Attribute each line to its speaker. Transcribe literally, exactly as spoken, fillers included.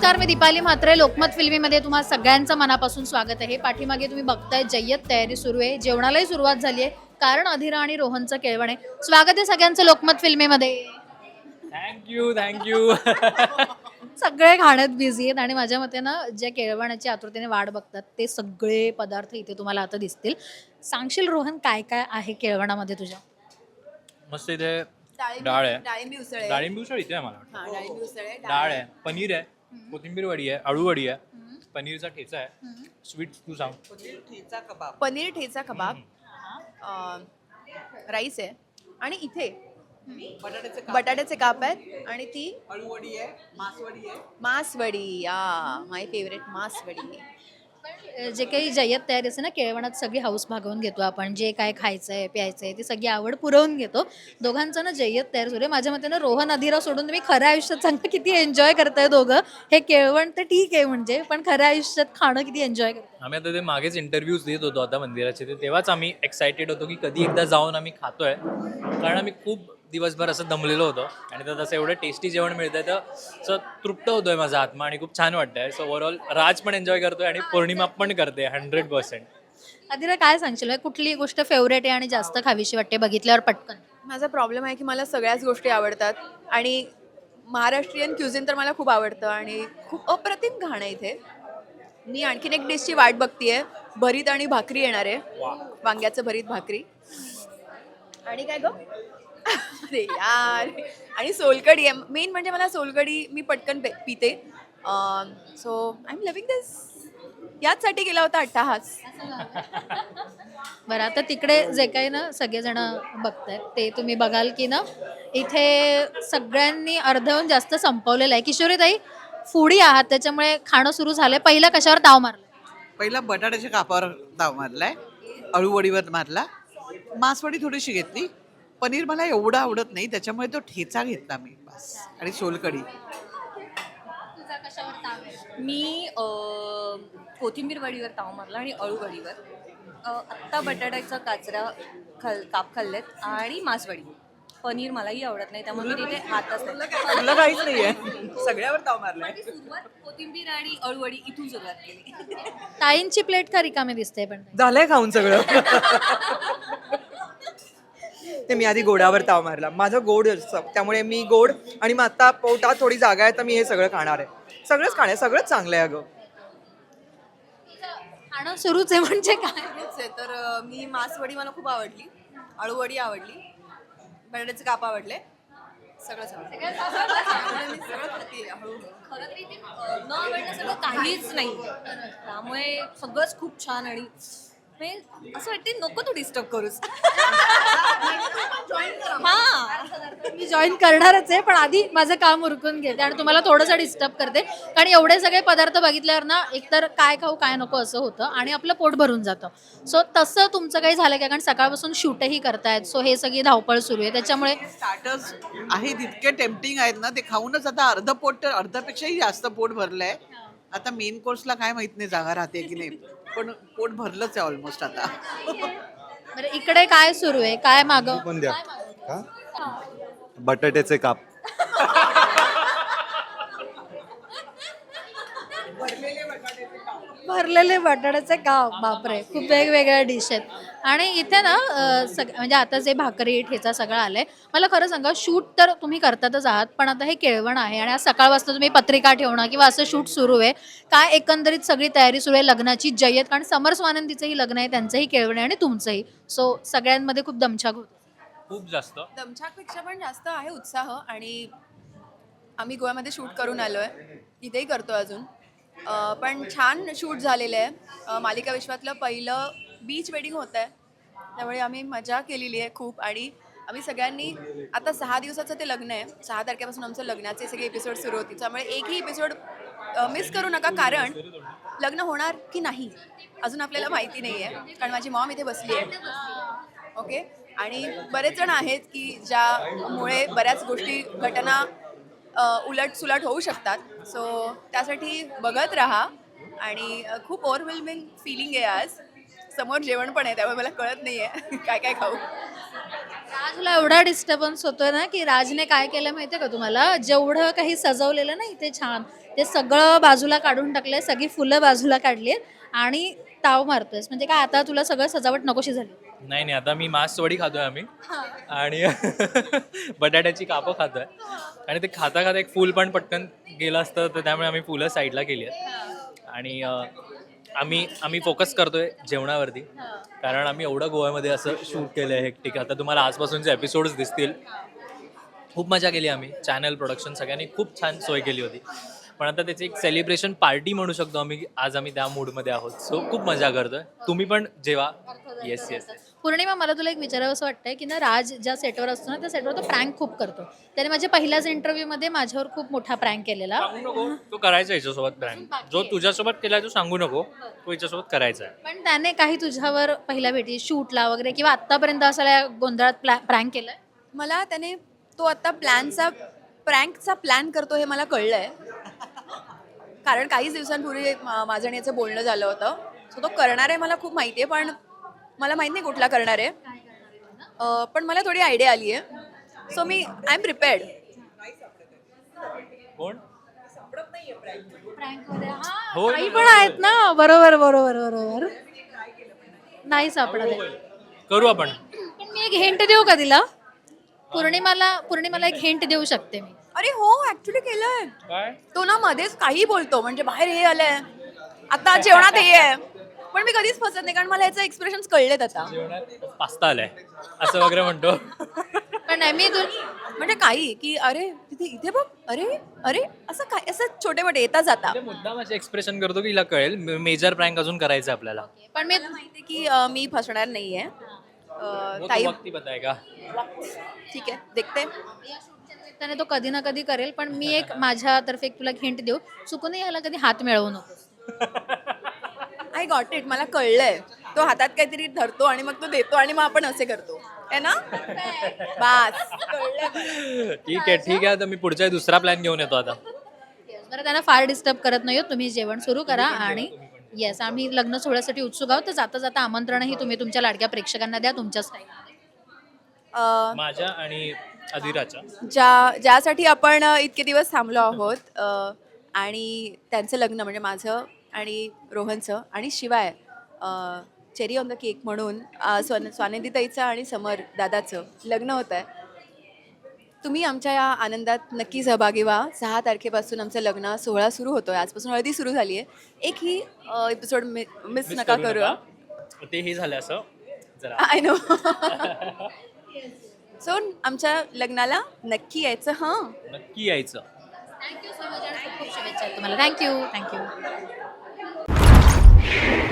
Speaker 1: नमस्कार, मी दीपाली म्हात्रे. लोकमत फिल्मीमध्ये तुम्हा सगळ्यांचं मनापासून स्वागत आहे. पाठीमागे तुम्ही बघताय जय्यत तयारी सुरू आहे. जेवणालाही सुरुवात झाली आहे, कारण अधिरा आणि रोहनचं केळवण आहे. स्वागत आहे सगळ्यांचं लोकमत फिल्मीमध्ये.
Speaker 2: थँक्यू थँक्यू
Speaker 1: सगळे खाण्यात बिझी आहेत आणि माझ्या मते ना, जे केळवणाची आतुरतेने वाट बघतात ते सगळे पदार्थ इथे तुम्हाला आता दिसतील. सांगशील रोहन, काय काय आहे केळवणामध्ये तुझ्या?
Speaker 2: मस्त इथे
Speaker 3: डाळिंब
Speaker 2: डाळ आहे.
Speaker 3: डाळिंबी उसळ आहे.
Speaker 2: डाळिंबी उसळ इथे आहे मला वाटतं.
Speaker 3: हा, डाळिंबी उसळ आहे.
Speaker 2: डाळ आहे, पनीर आहे, कोथिंबीर वडी आहे, अळू वडी आहे, पनीरचा ठेचा आहे, स्वीट तू सांग.
Speaker 3: पनीर ठेचा कबाब, अं, राईस आहे आणि इथे बटाट्याचे काप आहेत आणि ती
Speaker 4: अळूवडी आहे, मासवडी आहे.
Speaker 3: मासवडी. या माय फेवरेट मासवडी.
Speaker 1: जे काही जय्यत तयारी असते ना केळवणात, सगळी हाऊस भागवून घेतो आपण. जे काय खायचं आहे प्यायचं आहे ती सगळी आवड पुरवून घेतो. दोघांचं ना जय्यत तयार सुरू आहे. माझ्या मते ना रोहन अधिरा सोडून तुम्ही खऱ्या आयुष्यात सांगा किती एन्जॉय करताय दोघं. हे केळवण तर ठीक आहे म्हणजे, पण खऱ्या आयुष्यात खाणं किती एन्जॉय करताय?
Speaker 2: आम्ही आता ते मागेच इंटरव्ह्यूज देत होतो आता मंदिराचे, ते तेव्हाच आम्ही एक्सायटेड होतो की कधी एकदा जाऊन आम्ही खातोय, कारण आम्ही खूप दिवसभर असं दमलेलो होतो आणि त्यात असं एवढं टेस्टी जेवण मिळतंय तर असं तृप्त होतोय माझा आत्मा आणि खूप छान वाटतंय. सो ओव्हरऑल राज पण एन्जॉय करतोय आणि पौर्णिमा पण करते हंड्रेड पर्सेंट.
Speaker 1: अधिरा, काय सांगशील, म्हणजे कुठली गोष्ट फेवरेट आहे आणि जास्त खावीशी वाटते बघितल्यावर पटकन?
Speaker 3: माझा प्रॉब्लेम आहे की मला सगळ्याच गोष्टी आवडतात आणि महाराष्ट्रीयन क्युझिन तर मला खूप आवडतं आणि खूप अप्रतिम घाण आहे इथे. मी आणखीन एक डिशची वाट बघतीये. भरीत आणि भाकरी येणार आहे, वांग्याचं भरीत भाकरी. आणि काय गं, अरे यार, आणि सोलकढी आहे. मेन म्हणजे मला सोलकढी मी पटकन पे- पिते. So I am loving this. याचसाठी गेला होता अट्टाहास.
Speaker 1: बरं, आता तिकडे जे काही ना सगळेजण बघतायत ते तुम्ही बघाल की ना, इथे सगळ्यांनी अर्धहून जास्त संपवलेलं आहे. किशोरीताई, फूडी आहात त्याच्यामुळे खाणं सुरू झालंय. पहिलं कशावर ताव मारलं?
Speaker 4: पहिला बटाट्याच्या कापावर ताव मारलाय, अळूवडीवर मारला, मासवडी थोडीशी घेतली. पनीर मला एवढं आवडत नाही त्याच्यामुळे तो ठेचा घेतला मी बस, आणि सोलकढी.
Speaker 5: मी अ, कोथिंबीर वडीवर ताव मारला आणि अळू वडीवर. अ, आत्ता बटाट्याचा काचरा खाल काप खाल्लेत आणि मासवडी. पनीर मलाही आवडत नाही त्यामुळे मी तिथे हातच नाही.
Speaker 4: तुला काहीच नाहीये, सगळ्यावर ताव मारलाय.
Speaker 5: माझी सुरुवात कोथिंबीर आणि अळूवडी इथून सुरुवात केली.
Speaker 1: ताईंची प्लेट का रिकामी दिसते? पण
Speaker 6: झालंय खाऊन सगळं. ते मी आधी गोडावर ताव मारला. माझं गोड असतं त्यामुळे मी गोड, आणि मग आता पोटात थोडी जागा आहे तर मी हे सगळं खाणार आहे. सगळंच खाणार, सगळंच चांगलं आहे अगं.
Speaker 1: खाणं सुरूच आहे म्हणजे काय?
Speaker 3: तेच आहे तर अं, मी मासवडी मला खूप आवडली, अळूवडी आवडली, बटाट्याचे काप आवडले, सगळंच आवडलं. त्यामुळे मी सगळं खाते हळूहळू.
Speaker 5: खरं तर इथे अ, न आवडण्यासारखं काहीच नाही, त्यामुळे सगळंच खूप छान. आणि म्हणजे असं वाटते नको तू डिस्टर्ब करूस. हा,
Speaker 1: मी जॉईन करणारच आहे, पण आधी माझं काम उरकून घेते आणि तुम्हाला थोडंसं डिस्टर्ब करते, कारण एवढे सगळे पदार्थ बघितल्यावर ना एकतर काय खाऊ काय नको असं होतं आणि आपलं पोट भरून जातं. सो तसं तुमचं काही झालं का? कारण सकाळपासून शूटही करतायत, सो हे सगळी धावपळ सुरू आहे त्याच्यामुळे.
Speaker 4: स्टार्टर्स आहेत इतके टेम्पटिंग आहेत ना, ते खाऊनच आता अर्ध पोट, तर अर्ध्यापेक्षाही जास्त पोट भरलंय. आता मेन कोर्सला काय माहित नाही जागा राहते की नाही, पण पोट भरलंच आहे ऑलमोस्ट आता.
Speaker 1: बरं, इकडे काय सुरू आहे? काय माग?
Speaker 7: पण द्या का बटाट्याचे काप.
Speaker 1: भरलेले बटाट्याचे काप. बापरे, खूप वेगवेगळ्या डिश आहेत. आणि इथे ना अं, सग म्हणजे आता जे भाकरी ठेचा सगळं आलंय. मला खरं सांगा, शूट तर तुम्ही करतातच आहात, पण आता हे केळवण आहे आणि आज सकाळपासून तुम्ही पत्रिका ठेवणं किंवा असं शूट सुरू आहे. काय एकंदरीत सगळी तयारी सुरू आहे लग्नाची जय्यत, कारण समर स्वानंदीचंही लग्न आहे, त्यांचंही केळवण आहे आणि तुमचंही. सो सगळ्यांमध्ये खूप दमछाक होतं.
Speaker 2: खूप जास्त.
Speaker 3: दमछाकपेक्षा पण जास्त आहे उत्साह. आणि आम्ही गोव्यामध्ये शूट करून आलो आहे, इथेही करतो अजून. अं, पण छान शूट झालेलं आहे. अं, मालिका विश्वातलं पहिलं बीच वेडिंग होतं आहे, त्यामुळे आम्ही मजा केलेली आहे खूप. आणि आम्ही सगळ्यांनी, आता सहा दिवसाचं ते लग्न आहे, सहा तारखेपासून आमचं लग्नाचे सगळे एपिसोड सुरू होतील, त्यामुळे एकही एपिसोड मिस करू नका, कारण लग्न होणार की नाही अजून आपल्याला माहिती नाही आहे, कारण माझी मॉम इथे बसली आहे. ओके, आणि बरेच जण आहेत की ज्यामुळे बऱ्याच गोष्टी, घटना उलट सुलट होऊ शकतात. सो त्यासाठी बघत राहा. आणि अ, खूप ओव्हरवेल्मिंग फिलिंग आहे आज. समोर जेवण पण आहे, त्यामुळे मला कळत नाही आहे काय काय खाऊ.
Speaker 1: राजला एवढा डिस्टर्बन्स होतोय ना, की राजने काय केलं माहितीये का तुम्हाला? जेवढं काही सजवलेलं ना इथे छान, ते सगळं बाजूला काढून टाकलंय, सगळी फुलं बाजूला काढली आणि ताव मारतोयस. म्हणजे काय आता तुला सगळं सजावट नकोशी झाली?
Speaker 2: नाही नाही आता मी मांस वडी खातोय आम्ही आणि बटाट्याची कापं खातोय आणि ते खाता खाता एक फूल पण पटकन गेलं असतं तर त्यामुळे आम्ही फुलं साईडला केली आहेत आणि अं, आम्ही आम्ही फोकस करतोय जेवणावरती कारण आम्ही एवढं गोव्यामध्ये असं शूट केलं आहे हेक्टिक. आता तुम्हाला आजपासूनचे एपिसोड्स दिसतील. खूप मजा केली आम्ही, चॅनल प्रोडक्शन सगळ्यांनी खूप छान सोय केली होती. पण आता त्याची एक सेलिब्रेशन पार्टी म्हणू शकतो आम्ही, आज आम्ही त्या मूडमध्ये आहोत. सो खूप मजा करतोय. तुम्ही पण जेवा. येस येस
Speaker 1: पौर्णिमा, मला तुला एक विचारावं असं वाटतंय की ना राज ज्या सेटवर असतो ना त्या सेटवर तो प्रँक खूप करतो. त्याने माझ्या पहिल्याच इंटरव्ह्यूमध्ये माझ्यावर खूप मोठा प्रँक केलेला.
Speaker 2: सांगू नको तो करायचा याच्यासोबत प्रँक, जो तुझ्यासोबत केलाय तो सांगू नको, तो याच्यासोबत करायचा आहे.
Speaker 1: पण त्याने काही तुझ्यावर पहिल्या भेटी शूटला वगैरे किंवा आतापर्यंत असा गोंधळात प्रँक केलाय?
Speaker 3: मला त्याने तो आता प्लॅनचा प्रँकचा प्लॅन करतो हे मला कळलंय. कारण काहीच दिवसांपूर्वी मा- माझं आणि याचं बोलणं झालं होतं. सो तो करणार आहे मला खूप माहिती आहे, पण मला माहित नाही कुठला करणार आहे. अं, पण मला थोडी आयडिया आली आहे. सो मी आय एम प्रिपेअर्ड.
Speaker 2: कोण
Speaker 1: हो,
Speaker 2: हो
Speaker 1: काही पण आहेत ना. बरोबर बरोबर बरोबर नाही सापडत आहे.
Speaker 2: करू आपण.
Speaker 1: पण मी एक हिंट देऊ का तिला? पौर्णिमाला पौर्णिमाला एक हिंट देऊ शकते मी.
Speaker 3: अरे हो, ऍक्च्युली केलंय.
Speaker 2: काय
Speaker 3: तो ना मध्येच काही बोलतो, म्हणजे बाहेर हे आलंय, आता जेवणात हे आहे. पण मी कधीच फसत नाही कारण मला याचं एक्सप्रेशन कळलेत आता.
Speaker 2: जेवणात पास्ता आलाय असं वगैरे म्हणतो.
Speaker 1: पण नाही मी तू
Speaker 3: म्हणजे काही की अरे तिथे इथे बघ, अरे अरे असं काय, असं छोटे मोठे येता जाता.
Speaker 2: ते मुद्दाम असे एक्सप्रेशन करतो की हिला कळेल मेजर प्रँक अजून करायचं आहे आपल्याला.
Speaker 1: पण मी
Speaker 3: माहिती की अं, मी फसणार नाहीये. अं,
Speaker 2: वो
Speaker 3: ताई
Speaker 2: तो वक्ती बताएगा.
Speaker 3: ठीक आहे, देखते.
Speaker 1: त्याने तो कधी ना कधी करेल. पण मी एक माझ्यातर्फे एक तुला हिंट देऊ, चुकूनही याला कधी हात मिळवू नको.
Speaker 3: आय गॉट इट, मला कळलंय. तो हातात काहीतरी धरतो आणि मग तो देतो आणि मग आपण असे करतो है ना. बास कळलंय मला.
Speaker 2: ठीक आहे ठीक आहे, आता मी पुढचा दुसरा प्लॅन घेऊन येतो आता.
Speaker 1: बरं, त्यांना फार डिस्टर्ब करत नाही आहोत. तुम्ही जेवण सुरू करा आणि येस, आम्ही लग्न सोहळ्यासाठी उत्सुक आहोत. तर जाता जाता आमंत्रणही तुम्ही तुमच्या लाडक्या प्रेक्षकांना द्या तुमच्या स्टाईलमध्ये.
Speaker 3: अं,
Speaker 2: माझ्या आणि अधिराच्या
Speaker 3: ज्या ज्यासाठी आपण अ, इतके दिवस थांबलो आहोत अ, आणि त्यांचं लग्न म्हणजे माझं आणि रोहनचं आणि शिवाय चेरी ऑन द केक म्हणून अ, स्वन स्वानंदीताईचं आणि समर दादाचं लग्न होतं आहे. तुम्ही आमच्या या आनंदात नक्की सहभागी व्हा. सहा तारखेपासून आमचं लग्न सोहळा सुरू होतो आहे. आजपासून हळदी सुरू झाली आहे. एकही एपिसोड मिस नका करू.
Speaker 2: ते हे झालं असं जरा.
Speaker 3: I know. सो आमच्या लग्नाला नक्की यायचं. हां,
Speaker 2: नक्की यायचं.
Speaker 1: थँक्यू सो मच आणि खूप खूप शुभेच्छा तुम्हाला. Thank you thank you.